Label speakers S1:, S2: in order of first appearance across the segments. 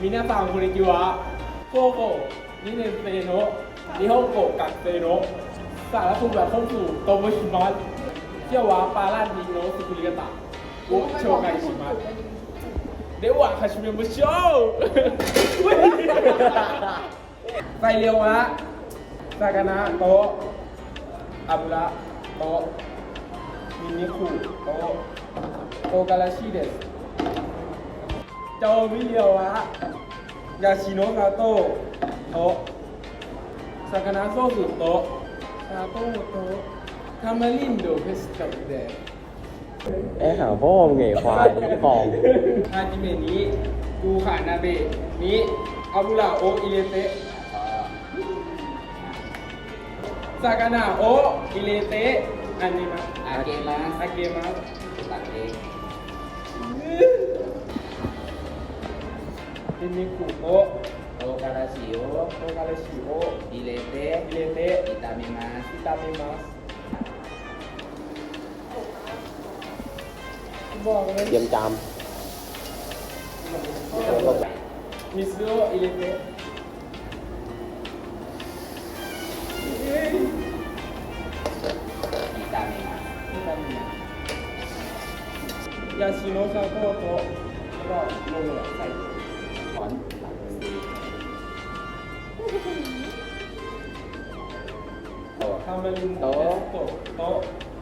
S1: 皆さんこんにちは高校2年生の日本語学生のสารคุณแบบเข้าสู่โตโมชิมัสเที่ยววาปาราดิโนสุคุริกะตะโอโชไกชิมัสเดี๋ยว始めましょうไซเรียวะซากานะโตะอาบุระโตะมินิคุโตะโตการาชิเดสโจมิเรียวะยาชิโนะซาโตะโตะซากานะโซสุโตะซาโตะโตะทามารินโดเพสตับเดะ
S2: หาพ่อมึงไงควายของ
S1: ฮาจิเมะนี้กูขานาเบะนี้อาบุระโออิเลเตะซากานะโออิเลเตะอันนี้นะ
S3: อาเกมัส
S1: อาเกมัส
S3: ตัดเอง
S1: มินิคุโตะ
S3: โอการาชิโอ
S1: โตการาชิโอ
S3: อิเลเต
S1: อิเลเตะ
S3: อิตามิมัส
S1: อิตามิมัสบอกเลย
S2: เยี่ยมจาม
S1: มิสโดอิเลเตะ
S3: อิตามิมัส
S1: อิตามิมัสยาชิโนะซาโตะโตะแล้วก็โรยใส่
S3: ถอนหลังซีโต
S1: ทามาริน
S3: โต๊ะ
S1: โตะโต๊ะ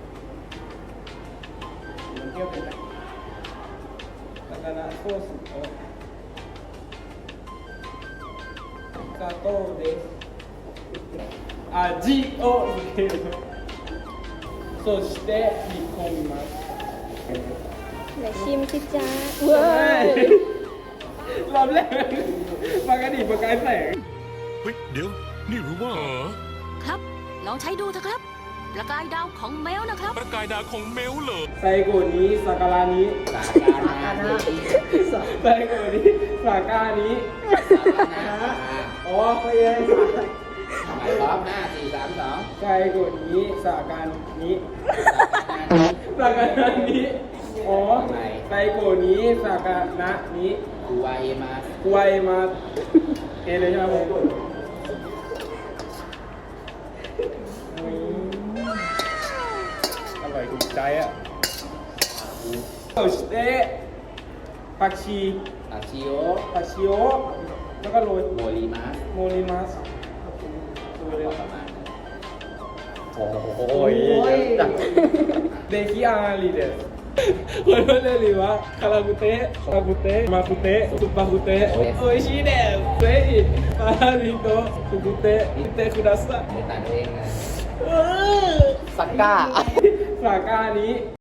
S1: มันเทียบกันนะซากานะโซสุโตะซาโตะเดสอาจิโอเดสそして煮込みます
S4: ไหนชิมสิจ้าเว้ย
S1: รอบแรกปกติประกายแสง
S5: เฮ้ยเดี๋ยว นี่รู้ว่า
S6: ครับ ลองใช้ดูเถอะครับ ประกายดาวของแมวนะครับ
S5: ประกายดาวของเมลเหรอ
S1: ไซโกะนี้สาการานี้
S3: สาการนานี้
S1: ไซโกะนี้สาการานี้
S3: สาการนา
S1: อ๋อไม่ใช่
S3: หมายพร้อม5 4 3 2
S1: ไซโกะนี้สาการนี้
S3: สาการนานี้
S1: สาการานี้อ๋อไซโกะนี้สาการะนี้
S3: กูวาเอมัส
S1: กวยมาเอเลยใช่ไหมผมอร่อยถูกใจอ่ะโอชิเตะผักชี
S3: อาชิโอ
S1: ผักชีโอแล้วก็โรย
S3: โมริมัส
S1: โมริมัสโรยเลย
S3: ประมาณนั้น
S2: โอ้ยจัง
S1: เดคิอารีเดสคนพูดเลยหรือว่าคาราบุเตะคาราบุเตะมาคุเตะซุปปาคุเตะโออิชิเดสเซอิปาริโตะคุกุเตะอิเตะคุดัสะ
S3: ไม่ตัดเองนะ
S2: สักก้า
S1: สาก้านี้